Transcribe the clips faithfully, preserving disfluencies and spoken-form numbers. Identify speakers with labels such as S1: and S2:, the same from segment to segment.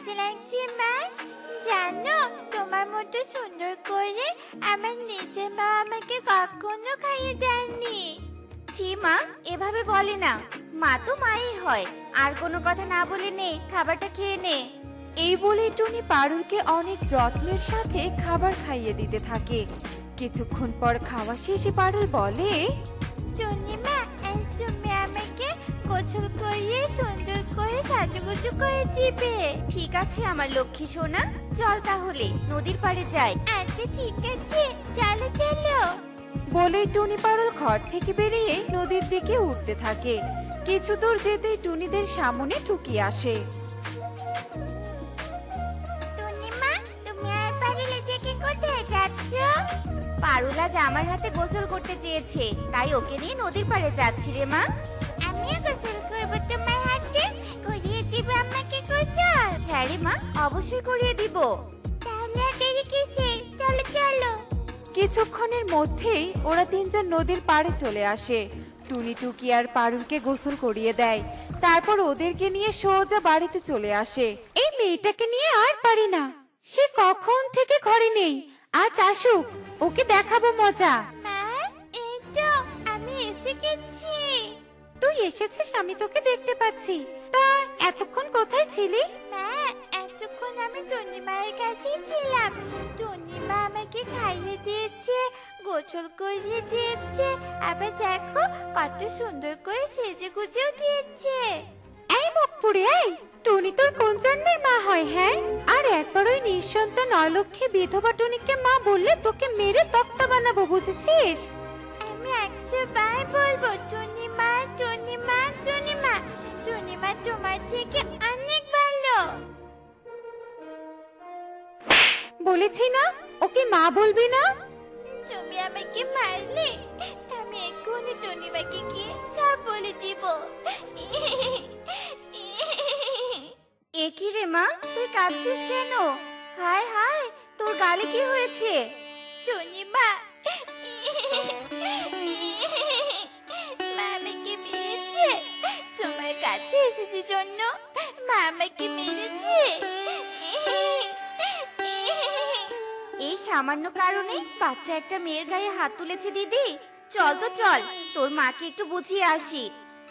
S1: মজা লাগছে মা। জানো, তোমার মতো সুন্দর করে আমার নিজের মা আমাকে কখনো খাইয়ে দেননি।
S2: ছি মা, এভাবে বলে না। মা তো মাই হয়। আর কোনো কথা না বলে নে, খাবারটা খেয়ে নে।
S3: এই বলে টুনি পারুলকে অনেক যত্নের সাথে খাবার খাইয়ে দিতে থাকে। কিছুক্ষণ পর খাওয়া শেষে পারুল বলে,
S1: টুনিমা, আজ তুমি আমাকে গোসল করিয়ে সুন্দর করে সাজুগুজু করে দিবে।
S2: ঠিক আছে আমার লক্ষ্মী সোনা, চল তাহলে নদীর পাড়ে যাই।
S1: আচ্ছা ঠিক আছে, চলো চলো।
S3: বলেই টুনি পারুল ঘর থেকে বেরিয়ে নদীর দিকে উঠতে থাকে। কিছু দূর যেতেই টুনিদের সামনে টুকি আসে।
S1: টুনিমা, তুমি আর পারুলের দিকে কোথায় যাচ্ছ?
S2: পারুল আজ আমার হাতে গোসল করতে চেয়েছে, তাই ওকে নিয়ে নদীর পাড়ে যাচ্ছি রে মা।
S1: আমিও গোসল করবো তোমার হাতে, করিয়ে দিবে আমাকে গোসল?
S2: হ্যাঁ রে মা, অবশ্যই করিয়ে দিব।
S1: তাহলে আর দেরি কিসে, চলো চলো।
S3: কিছুক্ষণের মধ্যেই ওরা তিনজন নদীর পাড়ে চলে আসে। টুনি টুকি আর পারুলকে গোসল করিয়ে দেয়। তারপর ওদেরকে নিয়ে সোজা বাড়িতে চলে আসে। এই মেয়েটাকে নিয়ে আর পারি না, সে কখন থেকে ঘরে নেই। আজ আসুক, ওকে দেখাবো মজা।
S1: মা, এই তো আমি এসে গেছি।
S3: তুই এসেছিস, আমি তোকে দেখতে পাচ্ছি। তা এতক্ষণ কোথায় ছিলি?
S1: মা, এতক্ষণ আমি টুনিমায়ের কাছেই ছিলাম। টুনিমা আমাকে খাইয়ে দিয়েছে, গোসল করিয়ে দিয়েছে, আবার দেখো কত সুন্দর করে সেজে গুজেও দিয়েছে।
S3: এই মুখপুরি, এই টুনি তোর কোন জন্মের মা হয়? হ্যাঁ, আর একবার ওই নিঃসন্তান অলক্ষী বিধবা টুনিকে মা বললে তোকে মেরে তক্তা বানাবো, বুঝেছিস?
S1: আমি একশো বার বলবো টুনিমা, টুনিমা, টুনিমা। টুনিমা তোমার থেকে অনেক ভালো।
S3: বলেছি না, ওকে মা বলবি না।
S1: তুমি আমাকে মারলে, আমি এক্ষুনি টুনিমাকে গিয়ে সব বলে দিব।
S2: এ কি রে মা, তুই কাঁদছিস কেন? হায় হায়, তোর গালে কি হয়েছে?
S1: টুনিমা, মা আমাকে মেরেছে। তোমার কাছে এসেছি জন্য মা আমাকে মেরেছে।
S2: এই সামান্য কারণে বাচ্চা একটা মেয়ের গায়ে হাত তুলেছে দিদি। চল তো চল, তোর মাকে একটু বুঝিয়ে আসি।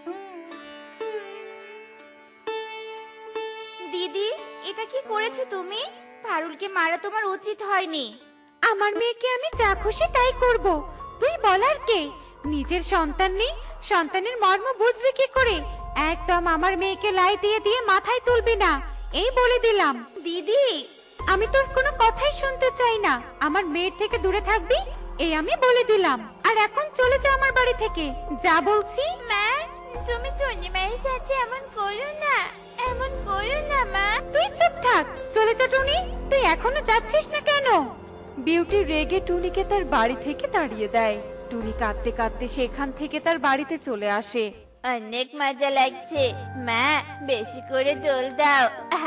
S2: দিদি, এটা কি করেছো তুমি? পারুলকে মারা তোমার উচিত হয়নি।
S3: আমার মেয়েকে আমি যা খুশি তাই করব, তুই বলার কে? নিজের সন্তান নেই, সন্তানের মর্ম বুঝবি কি করে? একদম আমার মেয়েকে লাই দিয়ে দিয়ে মাথায় তুলবি না, এই বলে দিলাম।
S2: দিদি,
S3: আমি তোর কোনো কথাই শুনতে চাই না। আমার মেয়ের থেকে দূরে থাকবি, এই আমি বলে দিলাম। আর এখন চলে যা আমার বাড়ি থেকে, যা বলছি।
S1: মা, তুমি টুনিমায়ের সাথে এমন করো না, এমন করো না মা।
S3: তুই চুপ থাক, চলে যা টুনি। তুই এখনো যাচ্ছিস না কেন? বিউটি রেগে টুনিকে তার বাড়ি থেকে তাড়িয়ে দেয়। টুনি কাঁদতে কাঁদতে সেখান থেকে তার বাড়িতে চলে আসে।
S1: অনেক মজা লাগছে মা, বেশি করে দোল দাও।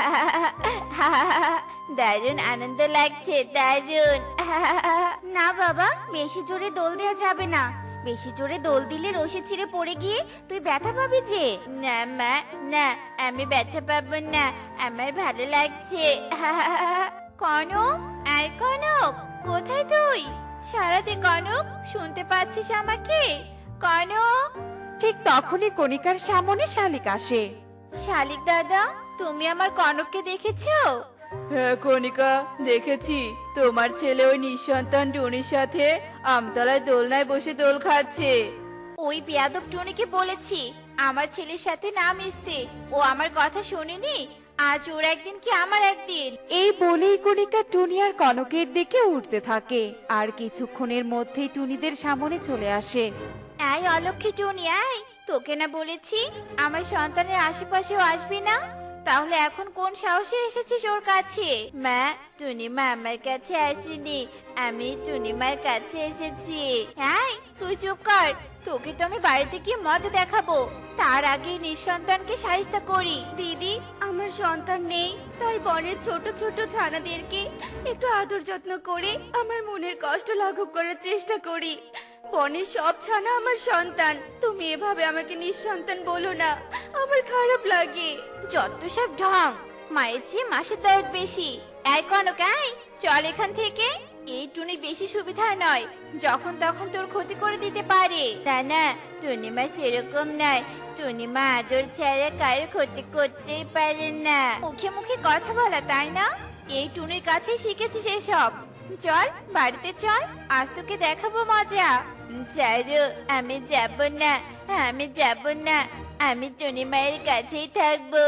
S1: দারুণ আনন্দ লাগছে, দারুণ।
S2: না বাবা, বেশি জোরে দোল দেওয়া যাবে না। বেশি জোরে দোল দিলে রশি ছিঁড়ে পড়ে গিয়ে তুই ব্যথা পাবি যে।
S1: না মা, না, আমি ব্যথা পাবো না, আমার ভালো লাগছে। কনক, আয় কনক, কোথায় তুই? সারাতে কনক, শুনতে পাচ্ছিস আমাকে? কনক।
S3: ঠিক তখনই কণিকার সামনে শালিক আসে।
S1: শালিক দাদা, তুমি আমার কনককে দেখেছো?
S4: হ্যাঁ কণিকা, দেখেছি। তোমার ছেলে ওই নিঃসন্তান টুনির সাথে আমতলায় দোলনায় বসে দোল খাচ্ছে।
S1: ওই বেয়াদব টুনিকে বলেছি আমার ছেলের সাথে না মিশতে, ও আমার কথা শোনেনি। আজ ওর একদিন কি আমার একদিন।
S3: এই বলেই কণিকা টুনি আর কনকের দিকে উঠতে থাকে। আর কিছুক্ষণের মধ্যেই টুনিদের সামনে চলে আসে।
S1: আয় অলক্ষী টুনি, আয়। তোকে না বলেছি আমার সন্তানের আশেপাশেও আসবি না? তাহলে এখন কোন সাহসে এসেছিস ওর কাছে? মা, টুনিমা আমার কাছে আসেনি, আমি টুনিমার কাছে এসেছি। হ্যাঁ, তুই চুপ কর। তোকে তো আমি বাড়িতে গিয়ে মজা দেখাবো, তার আগে নিঃসন্তানকে সাহিস্তা করি।
S2: দিদি, আমার সন্তান নেই, তাই বনের ছোট ছোট ছানাদেরকে একটু আদর যত্ন করে আমার মনের কষ্ট লাঘব করার চেষ্টা করি। বনের সব ছানা আমার সন্তান, তুমি এভাবে আমাকে নিঃসন্তান বলো না, আমার খারাপ লাগে।
S1: যত সব ঢং। মায়ের চেয়ে মাসের দরদ বেশি। এই কনক, এই চল এখান থেকে। এই টুনি বেশি সুবিধার নয়, যখন তখন তোর ক্ষতি করে দিতে পারে। না না, টুনি মা সেরকম নয়। টুনি মা আদর ছাড়া কারো ক্ষতি করতেই পারে না। মুখে মুখে কথা বলা, তাই না? এই টুনির কাছে শিখেছিস এসব। চল বাড়িতে চল, আজ তোকে দেখাবো মজা। চারু, আমি যাব না, আমি যাব না। আমি টুনি মায়ের কাছেই থাকবো।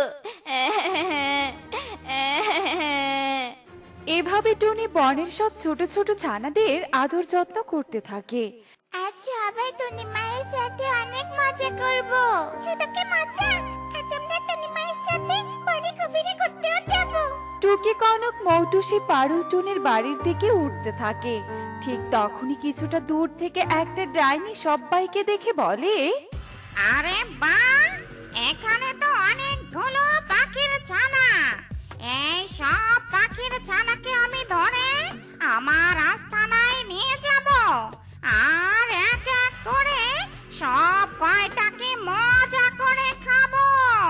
S3: এভাবে টুনি বনের সব ছোট ছোট ছানাদের আদর যত্ন করতে থাকে।
S2: আজ সবাই টুনি মায়ের সাথে অনেক মজা করব। সেটা কি মজা? আজ আমরা টুনি মায়ের সাথে বনে গভীরে ঘুরতেও যাব।
S3: টুকি, কনক, মৌটুসি পারুল টুনির বাড়ির দিকে উঠতে থাকে। ঠিক তখনই কিছুটা দূর থেকে একটা ডাইনি সবাইকে দেখে বলে,
S2: আরে বাহ, এখানে তো অনেকগুলো পাখির ছানা। এই সব পাখির ছানাকে আমি ধরে আমার আস্তানায় নিয়ে যাব, আর এক এক করে সব কয়টাকে মজা করে খাবো।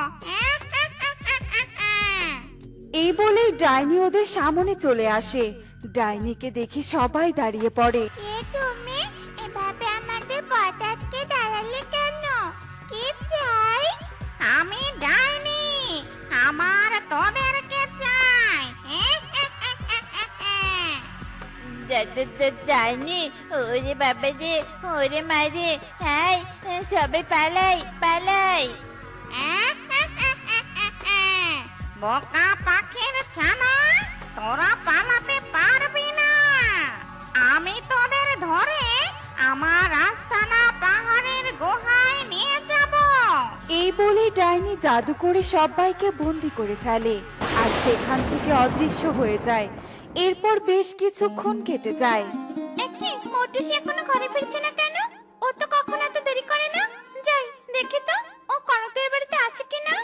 S3: এই বলেই ডাইনি ওদের সামনে চলে আসে। ডাইনিকে দেখে সবাই দাঁড়িয়ে পড়ে।
S2: কে তুমি? এভাবে আমাদের পথ আটকে দাঁড়ালে কেন? কি চাই? আমি ডাইনি, আমার তোদেরকে চাই।
S1: ডাইনি, ওরে বাবা রে, ওরে মারে। হাই, সবাই পালাই পালাই।
S2: বোকা পাখির ছানা, তোরা পালাতে পারবি না। আমি তোদের ধরে আমার আস্তানা পাহাড়ের গুহায় নিয়ে যাব।
S3: এই বলে ডাইনি জাদু করে সবাইকে বন্দি করে ফেলে আর সেখান থেকে অদৃশ্য হয়ে যায়। এরপর বেশ কিছুক্ষণ কেটে যায়।
S1: একে মোটুসি এখনো ঘরে ফিরছে না কেন? ও তো কখনো এত দেরি করে না। যাই দেখি তো ও কনকের বাড়িতে আছে কিনা।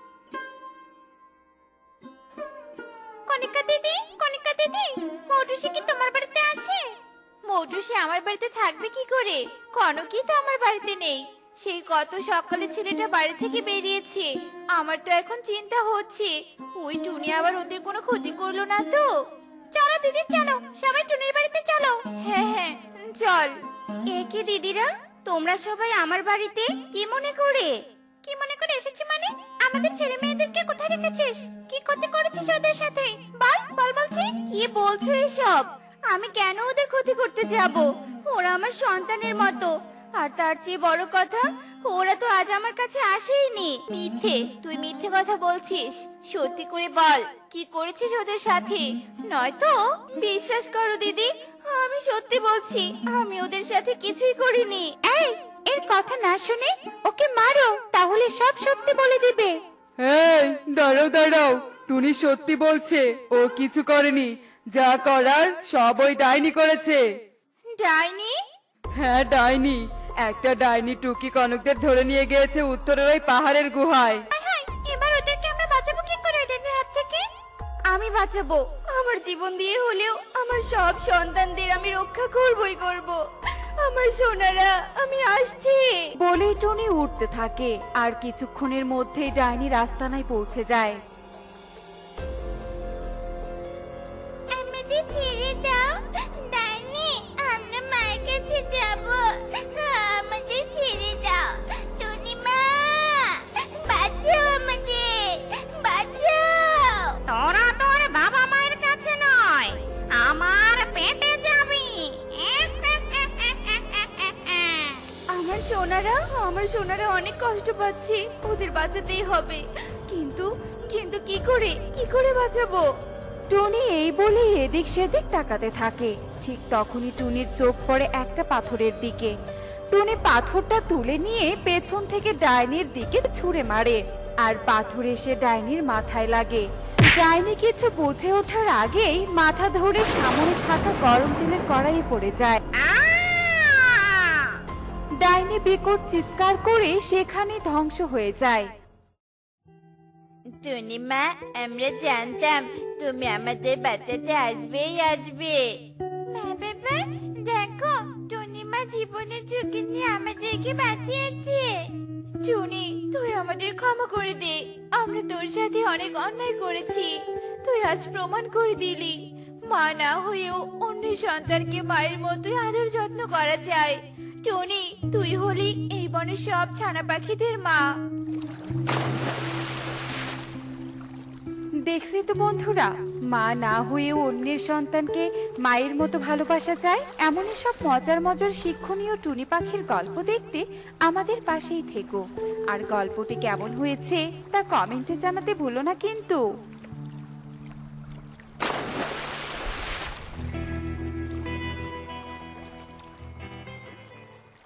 S1: কনিকা দিদি, কনিকা দিদি, মোটুসি কি তোমার বাড়িতে আছে? মোটুসি আমার বাড়িতে থাকবে কি করে? কনকই তো আমার বাড়িতে নেই। সেই কত সকালে ছেলেটা বাড়ি থেকে বেরিয়েছে। আমার তো এখন চিন্তা হচ্ছে ওই টুনি আবার ওদের কোনো ক্ষতি করলো না তো। চলো দিদি, চলো সবাই টুনির বাড়িতে চলো। হ্যাঁ হ্যাঁ চল।
S2: এ কি দিদিরা, তোমরা সবাই আমার বাড়িতে কি মনে করে?
S1: কি মনে করে এসেছি মানে? আমাদের ছেলে মেয়েদেরকে কোথায় রেখেছিস? কি ক্ষতি করেছিস ওদের সাথে? বল বল বলছি।
S2: কি বলছো এসব? আমি কেন ওদের ক্ষতি করতে যাব? ওরা আমার সন্তানের মতো। আর তার চেয়ে বড় কথা, ওরা তো আজ আমার কাছে আসেইনি।
S1: মিথ্যে, তুই মিথ্যে কথা বলছিস। সত্যি করে বল কি করেছিস ওদের সাথে, নয়তো।
S2: বিশ্বাস করো দিদি, আমি সত্যি বলছি, আমি ওদের সাথে কিছুই করিনি।
S3: এই, এর কথা না শুনে ওকে মারো, তাহলে সব সত্যি বলে দিবে।
S5: এই দাঁড়াও দাঁড়াও, টুনি সত্যি বলছে, ও কিছু করেনি। যা করার সব ওই ডাইনি করেছে।
S1: ডাইনি?
S5: হ্যাঁ ডাইনি। একটা ডাইনি টুকি কনকদের ধরে নিয়ে গিয়েছে উত্তরের ওই পাহাড়ের গুহায়।
S1: হায় হায়, এবার ওদেরকে আমরা বাঁচাবো কি করে ওদের হাত থেকে?
S2: আমি বাঁচাবো, আমার জীবন দিয়ে হলেও আমার সব সন্তানদের আমি রক্ষা করবই করব। আমার সোনারা, আমি আসছি।
S3: বলেই টুনি উঠতে থাকে আর কিছুক্ষণের মধ্যেই ডাইনি রাস্তানায় পৌঁছে যায়।
S2: আমাদের ছেড়ে দাও ডাইনি, আমরা মায়ের কাছে যাব। আমাদের ছেড়ে দাও টুনি মা, বাঁচাও আমাদের, বাঁচাও। তোরা তোর বাবা মায়ের কাছে নয়, আমার পেটে যাবি। আমার সোনারা, আমার সোনারা অনেক কষ্ট পাচ্ছে, ওদের বাঁচাতেই হবে। কিন্তু কিন্তু কি করে, কি করে বাঁচাবো?
S3: টুনি এই বলে এদিক সেদিক তাকাতে থাকে। ঠিক তখনই টুনির চোখ পড়ে একটা পাথরের দিকে। টুনি পাথরটা তুলে নিয়ে পেছন থেকে ডাইনির দিকে ছুঁড়ে মারে, আর পাথর এসে ডাইনির মাথায় লাগে। ডাইনি কিছু বুঝে ওঠার আগেই মাথা ধরে সামনে থাকা গরম তেলের কড়াইয়ে পড়ে যায়। ডাইনি বিকট চিৎকার করে সেখানে ধ্বংস হয়ে যায়।
S1: টুনি মা, আমরা জানতাম তুমি আমাদের বাঁচাতে আসবেই আসবে। মা বাবা, দেখো টুনি মা জীবনের ঝুঁকি নিয়ে আমাদেরকে বাঁচিয়েছে। টুনি তুই আমাদের ক্ষমা করে দে, আমরা তোর সাথে অনেক অন্যায় করেছি। তুই আজ প্রমাণ করে দিলি মা না হয়েও অন্য সন্তানকে মায়ের মতোই আদর যত্ন করা যায়। টুনি তুই হলি এই বনের সব ছানা পাখিদের মা।
S3: দেখলে তো বন্ধুরা, মা না হয়েও অন্যের সন্তানকে মায়ের মতো ভালোবাসা যায়। এমনই সব মজার মজার শিক্ষণীয় টুনি পাখির গল্প দেখতে আমাদের পাশেই থেকো। আর গল্পটি কেমন হয়েছে তা কমেন্টে জানাতে ভুলো না কিন্তু।